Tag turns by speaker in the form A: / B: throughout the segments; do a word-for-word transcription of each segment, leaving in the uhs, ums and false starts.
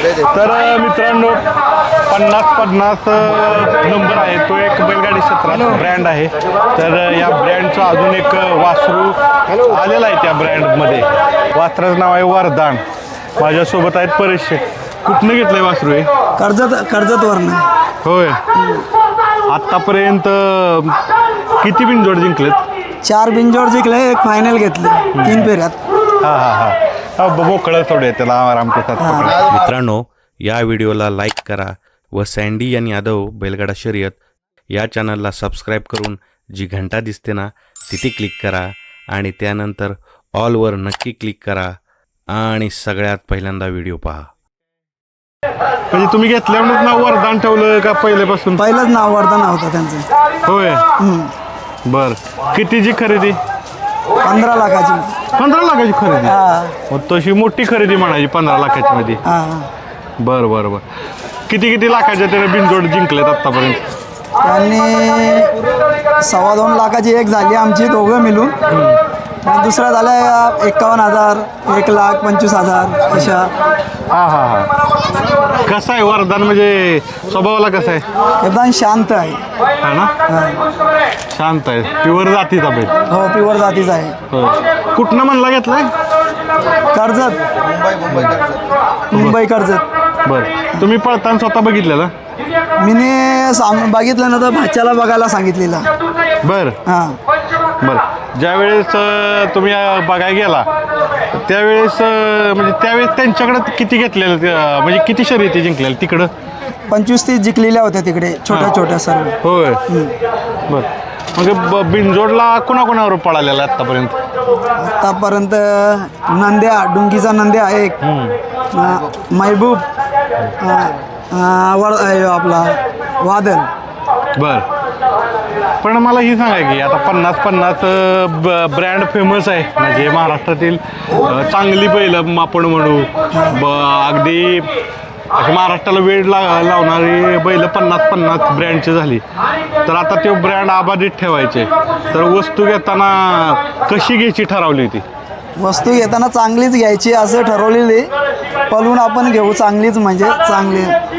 A: तर मित्रांनो पन्नास पन्नास नंबर आहे तो एक बैलगाडी क्षेत्रात ब्रँड आहे। तर या ब्रँडचं अजून एक वासरू आलेला आहे त्या ब्रँडमध्ये। वासराचं नाव आहे वरदान। माझ्यासोबत आहेत परेश। कुठनं घेतलंय वासरू हे?
B: कर्जत कर्जतवरनं।
A: होय। आतापर्यंत किती बिनजोड जिंकलेत?
B: चार बिनजोड जिंकले, एक फायनल घेतले तीन फेऱ्यात।
A: हां हां हां मोकळं सोडूया त्याला आराम के साथ पकडा।
C: मित्रांनो, या व्हिडिओला लाईक करा व सँडी आणि यादव बैलगाडा शर्यत या चॅनलला सबस्क्राईब करून जी घंटा दिसते ना तिथे क्लिक करा आणि त्यानंतर ऑलवर नक्की क्लिक करा आणि सगळ्यात पहिल्यांदा व्हिडिओ पहा।
A: म्हणजे तुम्ही घेतल्यामुळे नाव वरदान ठेवलं का पहिल्यापासून?
B: पहिलंच नाव वरदान होतं त्यांचं।
A: होय। बर, कितीची खरेदी?
B: पंधरा लाखाची।
A: पंधरा लाखाची खरेदी?
B: हा
A: मग तशी मोठी खरेदी म्हणायची पंधरा लाखाची मध्ये।
B: हा।
A: बर बर बर। किती किती लाखाच्या त्याने बिनजोड जिंकलेत आतापर्यंत?
B: त्यांनी सव्वा दोन लाखाची एक झाली आमची दोघं मिळून, आणि दुसरा झाला एकावन्न हजार, एक लाख पंचवीस हजार अशा।
A: हा हा हा। कसा आहे वरदान, म्हणजे स्वभावाला कसा आहे?
B: एकदम शांत आहे।
A: हा ना? शांत आहे, प्युअर जातीचा बैल।
B: हो, प्युअर जातीचा आहे।
A: होय। कुठनं म्हणला घेतलाय?
B: कर्जत, मुंबई कर्जत मुंबई कर्जत।
A: बर, तुम्ही पळताना स्वतः बघितलेलं?
B: मीने साम बघितलं ना तर भाच्याला बघायला सांगितलेला।
A: बर
B: हां
A: बर। ज्यावेळेस अं, तुम्ही अं, बघायला गेला त्यावेळेस अं, म्हणजे त्यावेळेस त्यांच्याकडे किती घेतलेलं, अं, म्हणजे किती शर्यती जिंकलेल्या तिकडं?
B: पंचवीस तीस जिंकलेल्या होत्या तिकडे, छोट्या छोट्या सर्व।
A: होय। बर, म्हणजे ब बिनजोडला कोणाकोणावर पळालेला आतापर्यंत?
B: आतापर्यंत नंद्या, डुंगीचा नंद्या आहे एक, अं, महबूब, अं, अं, वर अं, आपला वादल।
A: बर, पण मला ही सांगा की आता पन्नास पन्नास ब्रँड फेमस आहे, म्हणजे महाराष्ट्रातील अं, चांगली बैल आपण म्हणू ब अगदी अशी महाराष्ट्राला वेळ ला लावणारी बैल पन्नास पन्नास ब्रँडची झाली। तर आता तो ब्रँड अबाधित ठेवायचे, तर वस्तू घेताना कशी घ्यायची ठरवली होती?
B: वस्तू घेताना चांगलीच घ्यायची असं ठरवलेली, पळून आपण घेऊ चांगलीच, म्हणजे चांगली।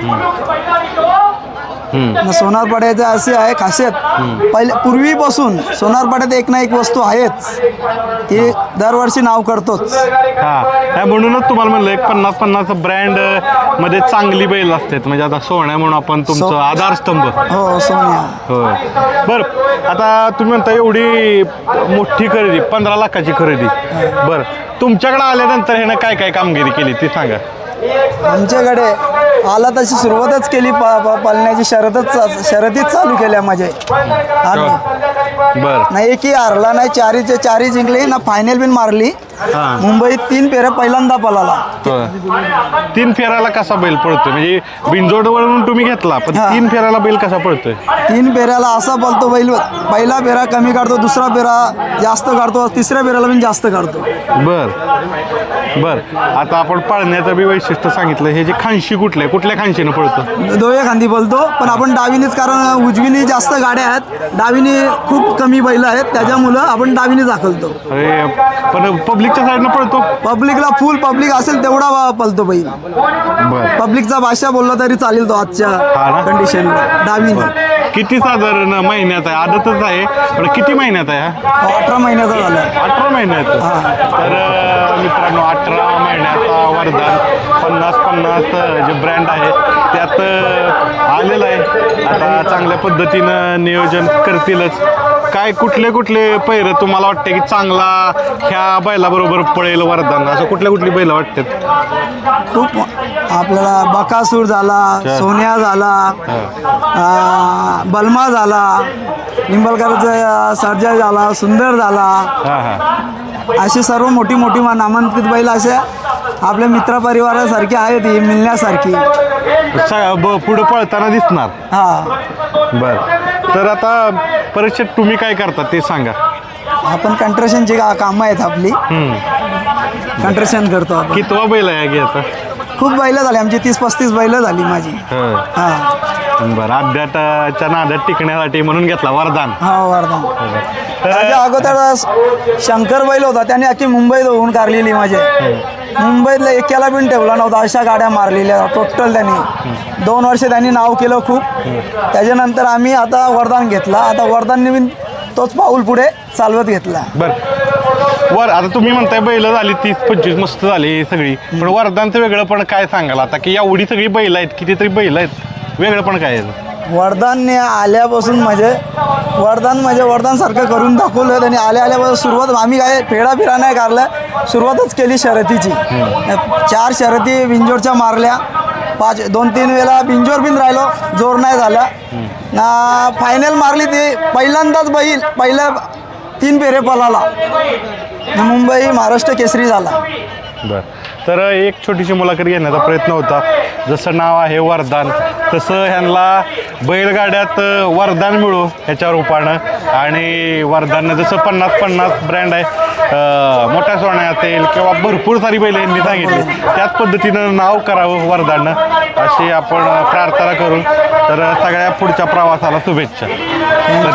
B: सोनारपाड्याचं असे आहे खासियत, पहिले पूर्वीपासून सोनारपाड्यात एक ना एक वस्तू आहेच, ती दरवर्षी नाव करतोच।
A: हा, म्हणूनच तुम्हाला म्हणलं एक पन्नास पन्नास ब्रँड मध्ये चांगली बैल असतात, म्हणजे आता सोन्या म्हणून आपण तुमचं आधारस्तंभ।
B: हो, सोन्या।
A: होय। बर, आता तुम्ही म्हणता एवढी मोठी खरेदी, पंधरा लाखाची खरेदी, बर तुमच्याकडे आल्यानंतर ह्यानं काय काय कामगिरी केली ती सांगा।
B: आमच्याकडे आला तशी सुरुवातच केली, पा पालण्याची शर्यतच शर्यतीच चालू केल्या माझे आम्ही।
A: बर,
B: नाही एकही हारला नाही, चारीचे चारी जिंकली ना, फायनल बिन मारली।
A: हां।
B: मुंबईत तीन फेऱ्या पहिल्यांदा पळाला।
A: तीन फेऱ्याला कसा बैल पळतोय, म्हणजे बिनजोडवरून तुम्ही घेतला पण
B: हां।
A: तीन फेऱ्याला बैल कसा पळतोय?
B: तीन फेऱ्याला असा पळतो बैल, पहिला फेरा कमी काढतो, दुसरा फेरा जास्त काढतो, तिसऱ्या फेऱ्याला पण जास्त काढतो।
A: बर बर। आता आपण पळण्याचं बी वैशिष्ट्य सांगितलं, हे जे खांशी कुठले कुठल्या खांशीनं पळतं?
B: दोया खांदी बोलतो, पण आपण डावीनीच, कारण उजवीनी जास्त गाड्या आहेत, डावीनी खूप कमी बैल आहेत, त्याच्यामुळं आपण डावीनी दाखलतो।
A: अरे पण पब्लिकच्या साईडनं पळतो?
B: पब्लिकला फुल पब्लिक असेल तेवढा पळतो बैल।
A: बर,
B: पब्लिकचा भाषा बोलला तरी चालेल तो
A: हा ना?
B: आजच्या कंडिशनला डावीनी।
A: किती साधारण महिन्यात आहे? आदतच आहे, पण किती महिन्यात आहे हा?
B: अठरा महिन्याचा झाला।
A: अठरा महिन्यात? तर अं, मित्रांनो अठरा महिन्याचा वरदान पन्नास पन्नास जे ब्रँड आहे त्यात अं, आलेलं आहे। आता चांगल्या पद्धतीनं नियोजन करतीलच। काय कुठले कुठले पैर तुम्हाला वाटते की चांगला ह्या बैलाबरोबर पळेल वरदान, असं कुठल्या कुठली बैल वाटतात?
B: खूप आपल्याला बकासूर झाला, सोन्या झाला, अं, बलमा झाला, निंबलकरचा सर्जा झाला, सुंदर झाला,
A: हां हां।
B: अशी सर्व मोठी मोठी नामांकित बैल अशा आपल्या मित्रपरिवारासारखी आहेत, ही मिळण्यासारखी।
A: पुढे पळताना दिसणार।
B: हा।
A: बर, तर आता परीक्षेत तुम्ही काय करता ते सांगा।
B: आपण कंट्रेशनची का कामं आहेत आपली, कंट्रेशन करतो आपण।
A: कितवा बैल आहे घ्यायचा?
B: खूप बैलं झाली आमची, तीस पस्तीस बैलं झाली माझी। हा
A: बरं, अड्ड्याच्या नादात टिकण्यासाठी म्हणून घेतला वरदान।
B: हा, वरदान।
A: तर
B: त्याच्या अगोदर शंकर बैल होता, त्याने अख्खी मुंबई धुवून काढलेली माझे। मुंबईतल्या एकाला पण ठेवला नव्हता, अशा गाड्या मारलेल्या टोटल त्यांनी. दोन वर्ष त्यांनी नाव केलं खूप. त्याच्यानंतर आम्ही आता वरदान घेतला. आता वरदानने बी तोच पाऊल पुढे चालवत घेतला.
A: बरं वर आता तुम्ही म्हणताय बैल झाली तीस पंचवीस मस्त झाली सगळी, पण वरदानचं वेगळं पण काय सांगाल आता की एवढी सगळी बैल आहेत, कितीतरी बैल आहेत, वेगळं पण काय आहे?
B: वरदानने आल्यापासून म्हणजे वरदान म्हणजे वरदानसारखं करून दाखवलं त्यांनी. आल्या आल्यापासून सुरुवात आम्ही काय फेडा फिरा नाही काढलं, सुरुवातच केली शर्यतीची. चार शर्यती बिंजोरच्या मारल्या, पाच दोन तीन वेळा बिंजोर बिन राहिलो, जोर नाही झाला ना. फायनल मारली ती पहिल्यांदाच बैल पहिल्या तीन फेरे पळाला, मुंबई महाराष्ट्र केसरी झाला.
A: बरं, तर एक छोटीशी मुलाखत घेण्याचा प्रयत्न होता. जसं नाव आहे वरदान, तसं ह्यांना बैलगाड्यात वरदान मिळू ह्याच्या रूपानं. आणि वरदाननं जसं पन्नास पन्नास ब्रँड आहे, अं, मोठ्या सोन्या असेल किंवा भरपूर सारी बैल यांनी सांगितली, त्याच पद्धतीनं नाव करावं वरदाननं, अशी आपण प्रार्थना करून तर सगळ्या पुढच्या प्रवासाला शुभेच्छा.